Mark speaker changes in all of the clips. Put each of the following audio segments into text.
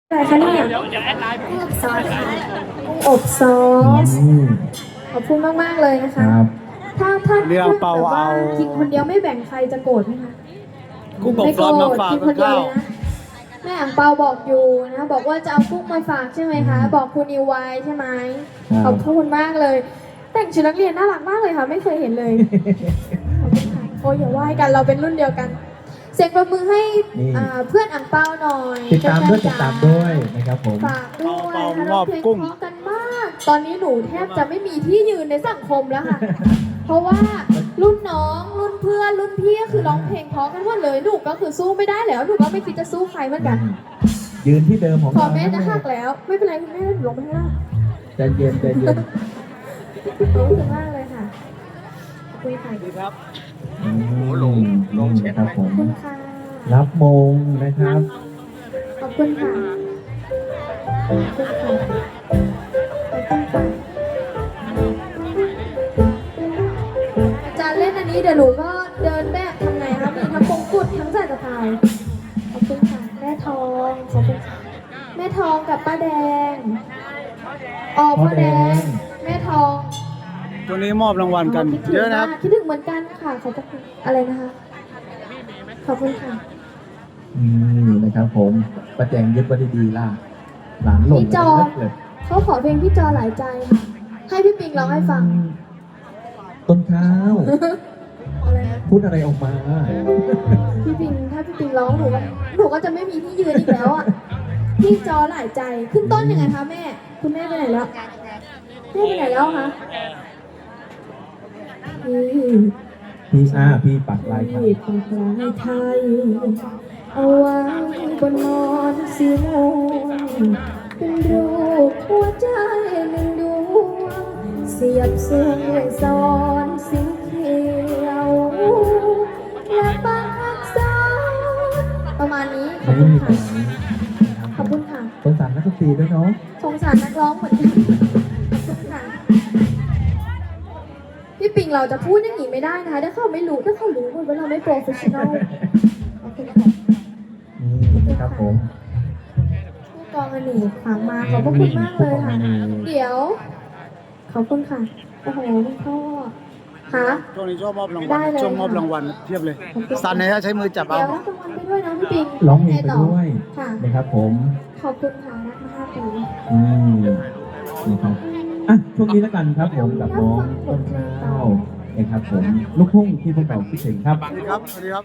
Speaker 1: อะไรคะเนี่ยอบซอสค่ะอบซอสขอบคุณมากๆเลยนะคะถ้า
Speaker 2: เรื่องเปล่าเอา
Speaker 1: กินคนเดียวไม่แบ่งใครจะโกรธไหมคะ
Speaker 2: กุ้งอบ
Speaker 1: ไม่
Speaker 2: ซ
Speaker 1: โกร
Speaker 2: อสมา
Speaker 1: ธ
Speaker 2: ฝาก
Speaker 1: กินค
Speaker 2: กับ
Speaker 1: นเดียว
Speaker 2: ข้าว
Speaker 1: เลยนะแม่อ่างเปาบอกอยู่นะบอกว่าจะเอากุ้งมาฝากใช่ไหมคะบอกคุณนิวไวใช่ไหมขอบคุณมากเลย แต่งชุดนักเรียนน่ารักมากเลยค่ะไม่เคยเห็นเลยขอบคุณค่ะโอ้ยอย่าไหว้กันเราเป็นรุ่นเดียวกันเสียงประมือให้เพื่อนอ่างเปาหน่อย
Speaker 3: ติดตามด้วยนะครับผม
Speaker 1: ฝากด้วย
Speaker 2: เปา
Speaker 1: ค่ะ
Speaker 2: มอบ
Speaker 1: เพลง
Speaker 2: กุ้ง
Speaker 1: เพราะกันมาก ตอนนี้หนูแทบจะไม่มีที่ยืนในสังคมแล้วค่ะ เพราะว่ารุ่นน้องรุ่นเพื่อนรุ่นพี่ก็คือร้องเพลงเพราะกันหมดเลยหนูก็คือสู้ไม่ได้แล้วหนูก็ไม่คิดจะสู้ใครเหมือนกัน
Speaker 3: ยืนที่เดิมของ
Speaker 1: พอ
Speaker 3: เรา
Speaker 1: แม่จะหักแล้วไม่เป็นไรคุณแม่หนูลงไปข้างล่าง
Speaker 3: ใจเย็นใจเย็น
Speaker 1: ขอบคุณมากเลยค่ะคุยค่ะ
Speaker 2: ดีครับ
Speaker 3: ลงเช็ดครับผ
Speaker 1: ขอบ
Speaker 3: ม
Speaker 1: คุณค่ะ
Speaker 3: รับมงนะครับ
Speaker 1: ขอบคุณค่ะขอบคุณค่ะขอบคุณค่ะอาจารย์เล่นอันนี้เดี๋ยวหนูก็เดินแบบทำไงคะมีทั้งมงกุฎทั้งสายสะพายขอบคุณค่ะแม่ทองขอบคุณค่ะแม่ทองกับป้าแดงพ่อแดงแม่ทอง
Speaker 2: ตัวนี้มอบรางวัลกันเยอะนะครับ
Speaker 1: คิดถึงเหมือนกันค่ะขอบคุณอะไรนะคะขอบคุณค่ะ
Speaker 3: นะครับผมประแจงยึดไว้ดีๆล่ะหลานหล่น
Speaker 1: พี่จอ
Speaker 3: เลย
Speaker 1: เขาขอเพลงพี่จอหลายใจค่ะให้พี่ปิงร้องให้ฟัง
Speaker 3: ต้นข้าว
Speaker 1: อะไรนะ
Speaker 3: พูดอะไรออกมา
Speaker 1: พี่ปิงถ้าพี่ปิงร้องหนูก็จะไม่มีที่ยืนอีกแล้วอ่ะพี่จอหลายใจขึ้นต้นยังไงคะแม่คุณแม่ไปไหนแล้วแม่ไปไหนแล้วคะ
Speaker 3: พี่ปักลายครับ
Speaker 1: พี่ปักลายไทยเอาไว้บนมอนสีม่วงเป็นรูปหัวใจหนึ่งดวงเสียบเสื้อด้วยซ้อนสีเขียวและปากซ้อนประมาณนี้ขอบคุณค่ะขอบคุณค่ะ
Speaker 3: สงสารนักดนตรีด้วยเนาะ
Speaker 1: สงสารนักร้องเหมือนกันขอบคุณค่ะพี่ปิงเราจะพูดอย่างนี้ไม่ได้นะคะถ้าเขาไม่รู้ถ้าเขารู้ว่าเราไม่โปรเฟชชั่นอลขอบคุณค่ะ
Speaker 3: นี่นะครับผม
Speaker 1: ผู้กองอเนกฝากมาขอบพระคุณมากเลยค่ะ เดี๋ยว ขอบคุณค่ะ โอ้โหคุณพ่อค่ะ
Speaker 2: ช่วงนี้ชอบมอบรางวั
Speaker 1: ได้
Speaker 2: ล
Speaker 1: เลย
Speaker 2: ช่วงมอบรางวัลเทียบเลยสันเนี่ยใช้มือจับเอา
Speaker 1: เดี๋ยวรับรางวัลไปด้วยนะพี่ปิง
Speaker 3: ร้องเพลงไปด้วย
Speaker 1: ค่ะ
Speaker 3: นะครับผม
Speaker 1: ขอบคุณค่ะรักมา5 ปี
Speaker 3: นะครับอ่ะช่วงนี้แล้วกันครับผมกับน้องต้นข้าวนะครับผมลูกทุ่งที่พวกเราคิดถึงครับ
Speaker 2: สวัสดีครับ สวัสดีครับ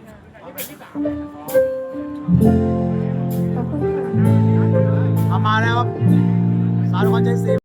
Speaker 1: ขอบคุณค่ะ
Speaker 2: มาแล้วครับสารวันใจซี